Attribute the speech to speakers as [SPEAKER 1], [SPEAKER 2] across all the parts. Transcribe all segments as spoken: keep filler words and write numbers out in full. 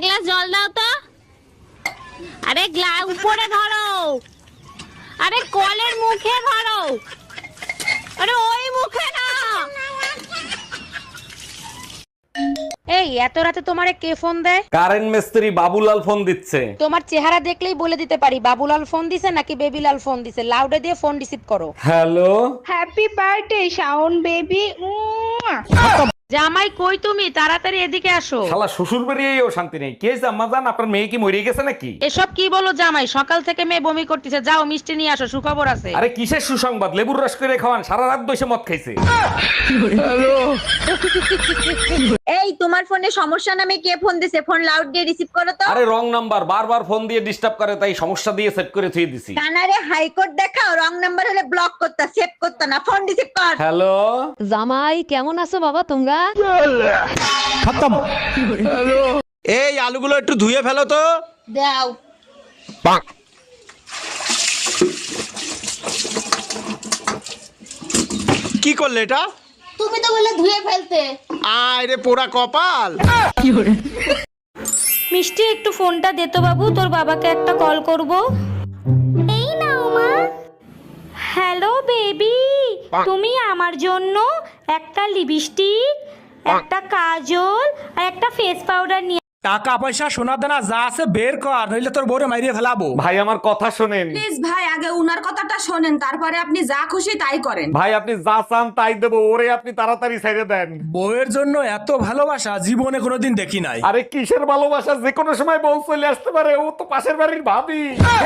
[SPEAKER 1] Glass জল দাও তো। আরে গ্লাস উপরে ধরো, আরে কলের মুখে ধরো, আরে ওই মুখে না।
[SPEAKER 2] এই এত রাতে তোমারে কে ফোন দেয়?
[SPEAKER 3] কারেন্ট মিস্ত্রি বাবুলাল ফোন দিচ্ছে।
[SPEAKER 2] তোমার চেহারা দেখলেই বলে দিতে পারি বাবুলাল ফোন দিছে নাকি বেবিলাল ফোন দিছে। লাউডে দিয়ে ফোন রিসিভ করো।
[SPEAKER 3] Hello,
[SPEAKER 4] happy birthday Shaon baby.
[SPEAKER 2] জামাই কই তুমি? তাড়াতাড়ি এদিকে আসো।
[SPEAKER 3] শালা শ্বশুর বাড়িয়েও শান্তি নেই। কে জাম্মা জান, আপনার মেয়ে কি মরে গেছে নাকি?
[SPEAKER 2] এসব কি বলো জামাই? সকাল থেকে মেয়ে বমি করতেছে, যাও মিষ্টি নিয়ে আসো, সুখবর আছে।
[SPEAKER 3] আরে কিসের সুসংবাদ? লেবুর রস করে খাওয়ান, সারা রাত বসে মদ খাইছে।
[SPEAKER 5] এই তোমার ফোনে সমস্যা নামে কে ফোন দিছে? ফোন লাউড দিয়ে রিসিভ করো তো।
[SPEAKER 3] আরে রং নাম্বার, বারবার ফোন দিয়ে ডিস্টার্ব করে, তাই সমস্যা দিয়ে সেট করে থুই দিছি।
[SPEAKER 5] কানারে হাইকোর্ট দেখাও, রং নাম্বার হলে ব্লক করতা, সেভ করতা না, ফোন রিসিভ কর।
[SPEAKER 3] হ্যালো,
[SPEAKER 6] জামাই কেমন আছো বাবা তোমরা?
[SPEAKER 7] এই আলুগুলো একটু ধুয়ে ফেলো তো।
[SPEAKER 5] দাও।
[SPEAKER 7] কি করলে এটা?
[SPEAKER 5] তুমি তো বলে ধুয়ে ফেলতে।
[SPEAKER 7] আয় রে পোড়া কপাল।
[SPEAKER 1] মিষ্টি একটু ফোনটা দে তো বাবু, তোর বাবাকে একটা কল করব। এই নাও মা। হ্যালো বেবি, তুমি আমার জন্য একটা লিপস্টিক, একটা কাজল আর একটা ফেস পাউডার নিয়ে।
[SPEAKER 8] টাকা পয়সা সোনা দানা যা আছে বের কর, নইলে তোর বউরে মাইরিয়ে ফেলাবো।
[SPEAKER 3] ভাই আমার কথা শোনেন।
[SPEAKER 4] প্লিজ ভাই, আগে উনার কথাটা শোনেন, তারপরে আপনি যা খুশি তাই করেন।
[SPEAKER 3] ভাই আপনি যা চান তাই দেবো, ওরে আপনি তাড়াতাড়ি ছেড়ে দেন।
[SPEAKER 8] বউয়ের জন্য এত ভালোবাসা জীবনে কোনোদিন দেখি নাই।
[SPEAKER 3] আরে কিসের ভালোবাসা? যে কোনো সময় বউ চলে আসতে পারে, ও তো পাশের বাড়ির ভাবি।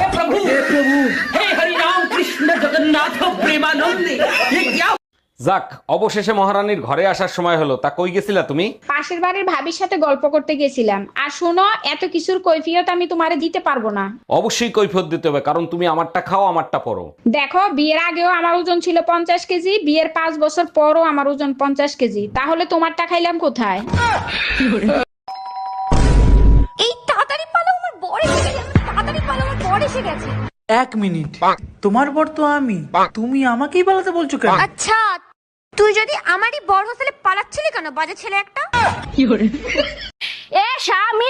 [SPEAKER 3] যাক, অবশেষে মহারানীর ঘরে আসার সময় হলো। তা কই গেছিলা তুমি?
[SPEAKER 4] পাশের বাড়ির ভাবির সাথে গল্প করতে গেছিলাম। আর শোনো, এত কিছুর কৈফিয়ত আমি তোমারে দিতে পারবো না।
[SPEAKER 3] অবশ্যই কৈফিয়ত দিতে হবে, কারণ তুমি আমারটা খাও আমারটা পরো।
[SPEAKER 4] দেখো, বিয়ের আগেও আমার ওজন ছিল পঞ্চাশ কেজি, বিয়ের পাঁচ বছর পরও আমার ওজন পঞ্চাশ কেজি, তাহলে তোমারটা খাইলাম কোথায়?
[SPEAKER 1] এই তাড়াতাড়ি পালো, আমার বর এসে গেছে। তাড়াতাড়ি পালো, আমার বর এসে গেছে।
[SPEAKER 9] এক মিনিট, তোমার বর তো আমি, তুমি আমাকেই পালাতে বলছো কেন?
[SPEAKER 1] আচ্ছা, তুই যদি আমারই বর হোস্টেলে পালাচ্ছিলি কেন, বাজে ছেলে একটা? এ স্বামী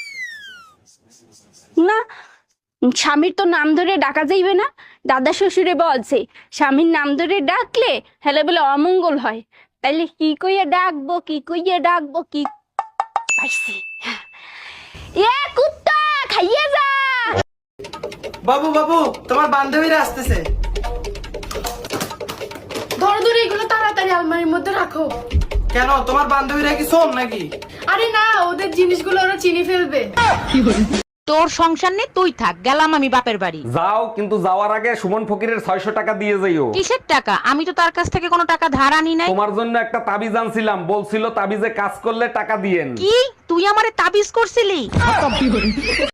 [SPEAKER 1] না, স্বামীর তো নাম ধরে ডাকা যাইবে না। দাদা শ্বশুরে বলছে স্বামীর নাম ধরে ডাকলে হেলে বলে অমঙ্গল হয়। তাইলে কি কইয়া ডাকবো, কি কইয়া ডাকবো, কি পাইছি? এ কুত্তা, খাইয়ে যা।
[SPEAKER 9] বাবু বাবু, তোমার বান্ধবীরা আসতেছে।
[SPEAKER 10] ধরো ধরো, এগুলো তাড়াতাড়ি আলমারির মধ্যে রাখো।
[SPEAKER 9] কেন, তোমার বান্ধবীরা কি শোন নাকি?
[SPEAKER 10] আরে না, ওদের জিনিসগুলো ওরা চিনি ফেলবে।
[SPEAKER 2] তোর সংসার নেই, তুই থাক, গেলাম আমি বাপের বাড়ি।
[SPEAKER 3] যাও, কিন্তু যাওয়ার আগে সুমন ফকিরের ছয়শো টাকা দিয়ে যাইও।
[SPEAKER 2] কিসের টাকা? আমি তো তার কাছ থেকে কোনো টাকা ধার আনি নাই।
[SPEAKER 3] তোমার জন্য একটা তাবিজ আনছিলাম, বলছিল তাবিজে কাজ করলে টাকা দিয়েন।
[SPEAKER 2] কি তুই আমারে তাবিজ করছিলি?